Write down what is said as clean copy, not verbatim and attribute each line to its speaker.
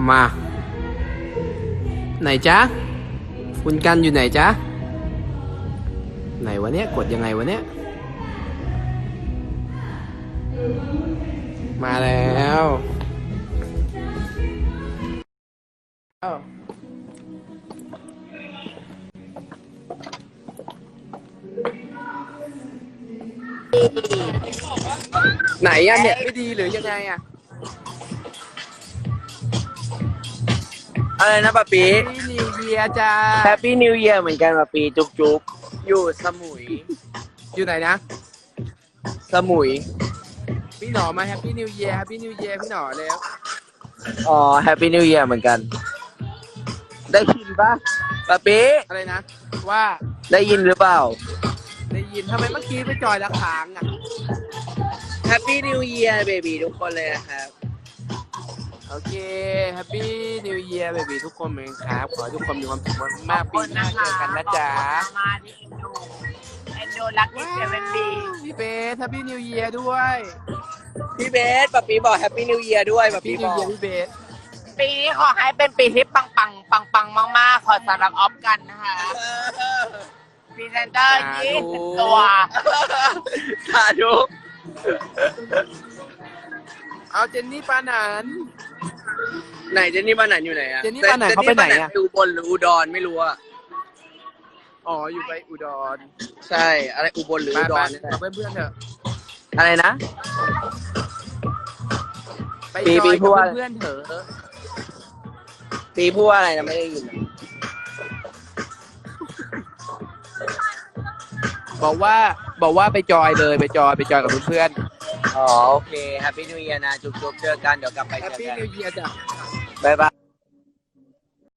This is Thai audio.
Speaker 1: มาไหนจ๊ะคุณกันอยู่ไหนจ๊ะไหนวะเนี้ยกดยังไงวะเนี้ยมาแล้วไหนอะเนี่ยไม่ดีหรือยังไงอะ
Speaker 2: อะไรนะปะปี
Speaker 1: Happy New Year จ้า
Speaker 2: แฮปปี้นิวเยียร์เหมือนกันปะปีจุกจุกอยู่สมุย
Speaker 1: อยู่ไหนนะ
Speaker 2: สมุย
Speaker 1: พี่หนอมา Happy New Year Happy New Year พี่หนอแล้ว
Speaker 2: อ๋อแฮปปี้นิวเยียร์เหมือนกัน ได้ยินปะปะปี
Speaker 1: อะไรนะว่า
Speaker 2: ได้ยินหรือเปล่า
Speaker 1: ได้ยินทำไมเมื่อกี้ไปจอยละค้างอะ
Speaker 2: แฮปปี้นิวเยียร์เบบีทุกคนเลยนะครับ
Speaker 1: โอเค Happy New Year เบบีทุกคนเหมือนครับ ขอให้ทุกคนมีความสุขมากๆปีหน้าเจอกันนะจ๊ะ
Speaker 3: มาที่เอ็นดูรักที่เซเว่นดี
Speaker 1: พี่เบส Happy New Year ด้วย
Speaker 2: พี่เบสปะปีบอกแฮปปี้นิวเยียร์ด้วยปะปี
Speaker 1: Happy
Speaker 2: บ
Speaker 1: New
Speaker 2: อก
Speaker 1: Year พี่เบส
Speaker 3: ปีนี้ขอให้เป็นปีที่ปังมากๆ ขอสำหรับออฟกันนะคะพรีเซนเตอร์20 ตัว
Speaker 2: สาธุ
Speaker 1: เอาเจนนี่ปานัน
Speaker 2: ไหนเจนนี่ปานันอยู่ไหนอะ
Speaker 1: เจนนี่ปานันเขาไปไหนอะ
Speaker 2: เจอุบลหรืออุดรไม่รู้อะ
Speaker 1: อ๋อ อยู่ไปอุดร
Speaker 2: ใช่อะไรอุบลหรือ
Speaker 1: ไป
Speaker 2: อุด
Speaker 1: ไป
Speaker 2: รนี่แหละ
Speaker 1: กับเพื่อนๆเถอะ
Speaker 2: อะไรนะ
Speaker 1: ไป
Speaker 2: ปี
Speaker 1: จอย
Speaker 2: พูด
Speaker 1: กับ
Speaker 2: ว่า
Speaker 1: เพื่อนๆเถอะ
Speaker 2: ปีพูดว่าอะไรนะไม่ได้ยิน
Speaker 1: บอกว่าไปจอยเลยไปจอยกับเพื่อน
Speaker 2: อ๋อโอเคแฮปปี้นิวเยียร์นะจุ๊บๆเจอกันเดี๋ยวกลับไป
Speaker 1: ๆ
Speaker 2: เจอ
Speaker 1: Happy
Speaker 2: กัน
Speaker 1: New Year จ้ะ
Speaker 2: บ๊ายบาย